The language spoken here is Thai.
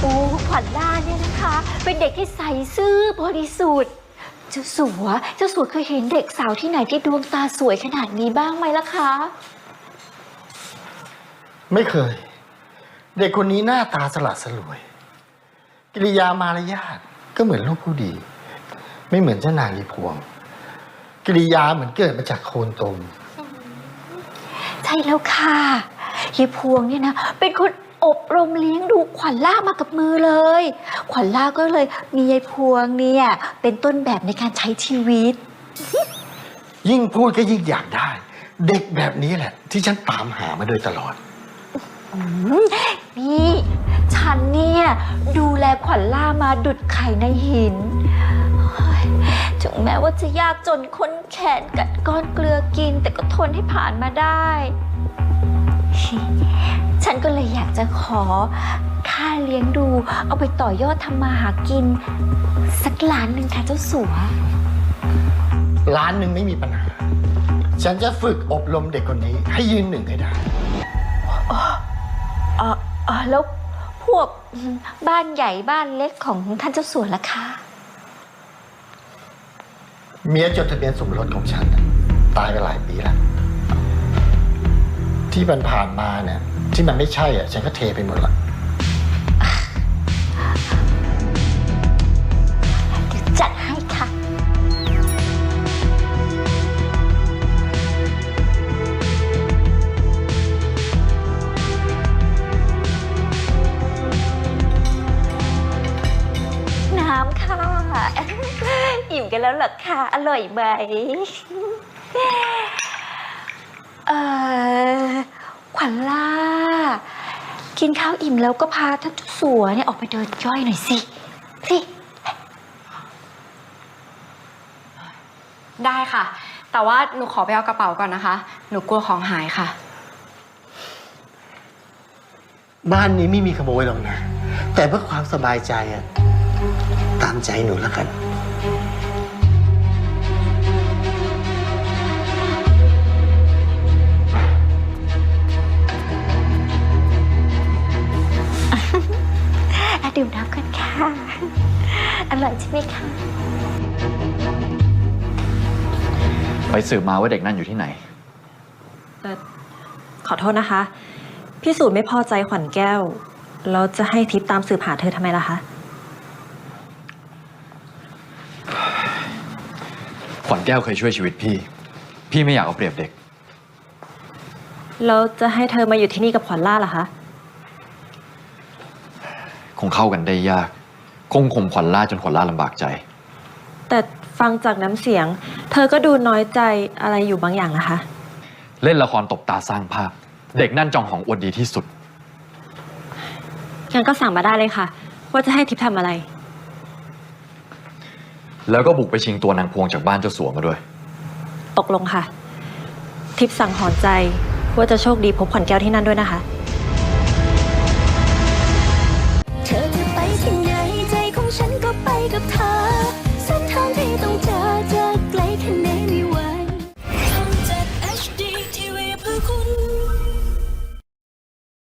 โอ้ขวัญล่าเนี่ยนะคะเป็นเด็กที่ใสซื่อบริสุทธิ์เจ้าสัวเคยเห็นเด็กสาวที่ไหนที่ดวงตาสวยขนาดนี้บ้างไหมล่ะคะไม่เคยเด็กคนนี้หน้าตาสละสลวยกิริยามารยาทก็เหมือนลูกผู้ดีไม่เหมือนเจ้านางยีพวงกิริยาเหมือนเกิดมาจากโคลนตมใช่แล้วค่ะยีพวงเนี่ยนะเป็นคนอบรมเลี้ยงดูขวัญล่ามากับมือเลยขวัญล่าก็เลยมียายพวงเนี่ยเป็นต้นแบบในการใช้ชีวิตยิ่งพูดก็ยิ่งอยากได้เด็กแบบนี้แหละที่ฉันตามหามาโดยตลอดนี่ฉันเนี่ยดูแลขวัญล่ามาดุจไข่ในหินถึงแม้ว่าจะยากจนค้นแขนกัดก้อนเกลือกินแต่ก็ทนให้ผ่านมาได้ฉันก็เลยอยากจะขอค่าเลี้ยงดูเอาไปต่อยอดทำมาหากินสักล้านหนึ่งค่ะเจ้าสัวล้านหนึ่งไม่มีปัญหาฉันจะฝึกอบรมเด็กคนนี้ให้ยืนหนึ่งให้ได้แล้วพวกบ้านใหญ่บ้านเล็กของท่านเจ้าสัวล่ะคะเมียจดทะเบียนสมรสของฉันตายไปหลายปีแล้วที่ผ่านมาเนี่ยที่มันไม่ใช่อ่ะฉันก็เทไปหมดละจัดให้ค่ะน้ำค่ะอิ่มกันแล้วเหรอคะอร่อยไหมขวัญล่ากินข้าวอิ่มแล้วก็พาท่านเจ้าสัวเนี่ยออกไปเดินย่อยหน่อยสิได้ค่ะแต่ว่าหนูขอไปเอากระเป๋าก่อนนะคะหนูกลัวของหายค่ะบ้านนี้ไม่มีขโมยหรอกนะแต่เพื่อความสบายใจอะตามใจหนูแล้วกันดื่มน้ำกันค่ะอร่อยใช่ไหมคะไปสืบมาว่าเด็กนั่นอยู่ที่ไหนขอโทษนะคะพี่สูตรไม่พอใจขวัญแก้วแล้วจะให้ทิพย์ตามสืบหาเธอทำไมล่ะคะขวัญแก้วเคยช่วยชีวิตพี่ไม่อยากเอาเปรียบเด็กแล้วจะให้เธอมาอยู่ที่นี่กับขวัญล่าล่ะคะคงเข้ากันได้ยากคงข่มขวัญล่าจนขวัญล่าลำบากใจแต่ฟังจากน้ำเสียงเธอก็ดูน้อยใจอะไรอยู่บางอย่างนะคะเล่นละครตบตาสร้างภาพเด็กนั่นจองของอวดดีที่สุดงั้นก็สั่งมาได้เลยค่ะว่าจะให้ทิพย์ทำอะไรแล้วก็บุกไปชิงตัวนางพวงจากบ้านเจ้าสัวมาด้วยตกลงค่ะทิพย์สั่งหอนใจว่าจะโชคดีพบขวัญแก้วที่นั่นด้วยนะคะเธอจะไปที่ไหนใจของฉันก็ไปกับเธอ